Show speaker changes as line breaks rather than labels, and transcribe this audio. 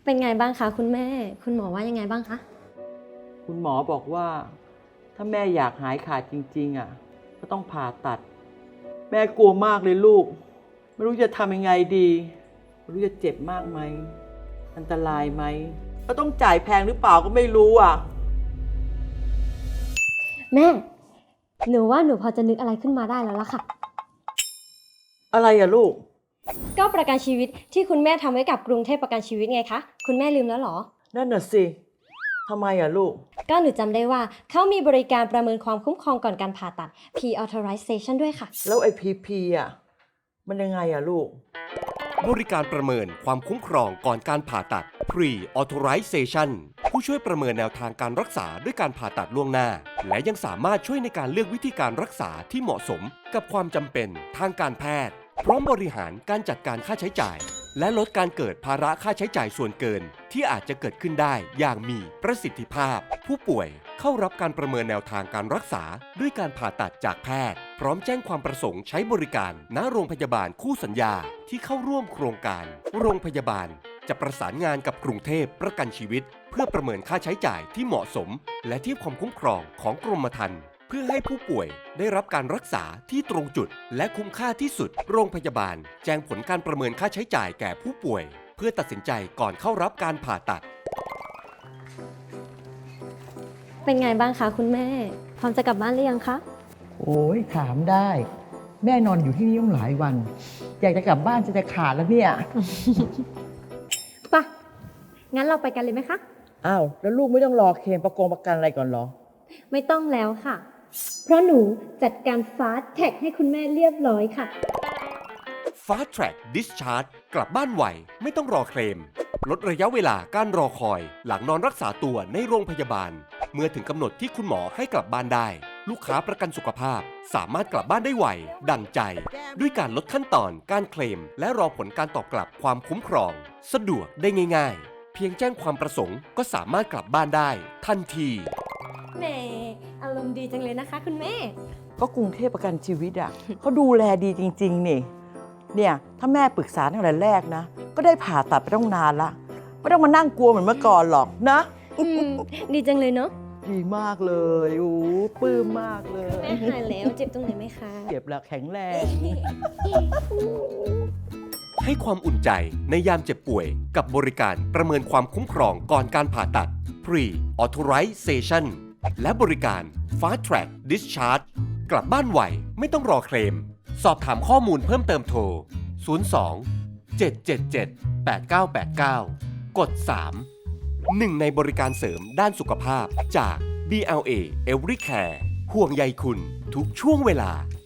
เป็นไงบ้างคะคุณแม่ คุณหมอว่ายังไงบ้างคะ
คุณหมอบอกว่าถ้าแม่อยากหายขาดจริงๆก็ต้องผ่าตัด แม่กลัวมากเลยลูกไม่รู้จะทำยังไงดีไม่รู้จะเจ็บมากไหมอันตรายไหมก็ต้องจ่ายแพงหรือเปล่าก็ไม่รู้
แม่ หนูว่าหนูพอจะนึกอะไรขึ้นมาได้แล้วล่ะค่ะ
อะไรลูก
ก็ประกันชีวิตที่คุณแม่ทำไว้กับกรุงเทพประกันชีวิตไงคะ คุณแม่ลืมแล้วเหรอ
นั่นน่ะสิทำไมลูก
ก็หนูจำได้ว่าเขามีบริการประเมินความคุ้มครองก่อนการผ่าตัด Pre-authorization ด้วยค่ะ
แล้วไอ้พีมันยังไงลูก
บริการประเมินความคุ้มครองก่อนการผ่าตัด Pre-authorization ผู้ช่วยประเมินแนวทางการรักษาด้วยการผ่าตัดล่วงหน้า และยังสามารถช่วยในการเลือกวิธีการรักษาที่เหมาะสมกับความจำเป็นทางการแพทย์พร้อมบริหารการจัดการค่าใช้จ่ายและลดการเกิดภาระค่าใช้จ่ายส่วนเกินที่อาจจะเกิดขึ้นได้อย่างมีประสิทธิภาพผู้ป่วยเข้ารับการประเมินแนวทางการรักษาด้วยการผ่าตัดจากแพทย์พร้อมแจ้งความประสงค์ใช้บริการณโรงพยาบาลคู่สัญญาที่เข้าร่วมโครงการโรงพยาบาลจะประสานงานกับกรุงเทพประกันชีวิตเพื่อประเมินค่าใช้จ่ายที่เหมาะสมและเทียบความคุ้มครองของกรมธรรม์เพื่อให้ผู้ป่วยได้รับการรักษาที่ตรงจุดและคุ้มค่าที่สุดโรงพยาบาลแจ้งผลการประเมินค่าใช้จ่ายแก่ผู้ป่วยเพื่อตัดสินใจก่อนเข้ารับการผ่าตัด
เป็นไงบ้างคะคุณแม่ พร้อมจะกลับบ้านหรือยังคะ
โอ้ยถามได้แม่นอนอยู่ที่นี่ตั้งหลายวันอยากจะกลับบ้านจะขาดแล้วเนี่ย
ป่ะ งั้นเราไปกันเลยไหมคะ
อ้าวแล้วลูกไม่ต้องรอเคลมประกันอะไรก่อนเหรอ
ไม่ต้องแล้วค่ะ เพราะหนูจัดการ Fast Track ให้คุณแม่เรียบร้อยค่ะ
Fast Track Discharge กลับบ้านไวไม่ต้องรอเคลมลดระยะเวลาการรอคอยหลังนอนรักษาตัวในโรงพยาบาลเมื่อถึงกำหนดที่คุณหมอให้กลับบ้านได้ลูกค้าประกันสุขภาพสามารถกลับบ้านได้ไวดังใจด้วยการลดขั้นตอนการเคลมและรอผลการตอบกลับความคุ้มครองสะดวกได้ง่ายๆเพียงแจ้งความประสงค์ก็สามารถกลับบ้านได้ทันที
แหมอารมณ์ดีจังเลยนะคะคุณแม่
ก็กรุงเทพประกันชีวิตเขาดูแลดีจริงๆนี่เนี่ยถ้าแม่ปรึกษาตั้งแต่แรกนะก็ได้ผ่าตัดไปต้องนานละไม่ต้องมานั่งกลัวเหมือนเมื่อก่อนหรอกนะ
ดีจังเลยเนาะ
ดีมากเลยโอ้ปลื้มมากเลย
แม่หายแล้วเจ็บตรงไหนไหมคะ
เจ็บแล้วแข็งแรง
ให้ความอุ่นใจในยามเจ็บป่วยกับบริการประเมินความคุ้มครองก่อนการผ่าตัด Pre-authorization และบริการ Fast Track Discharge กลับบ้านไวไม่ต้องรอเคลมสอบถามข้อมูลเพิ่มเติมโทร 02 777 8989 กด 3 หนึ่งในบริการเสริมด้านสุขภาพจาก BLA Everycare ห่วงใยคุณทุกช่วงเวลา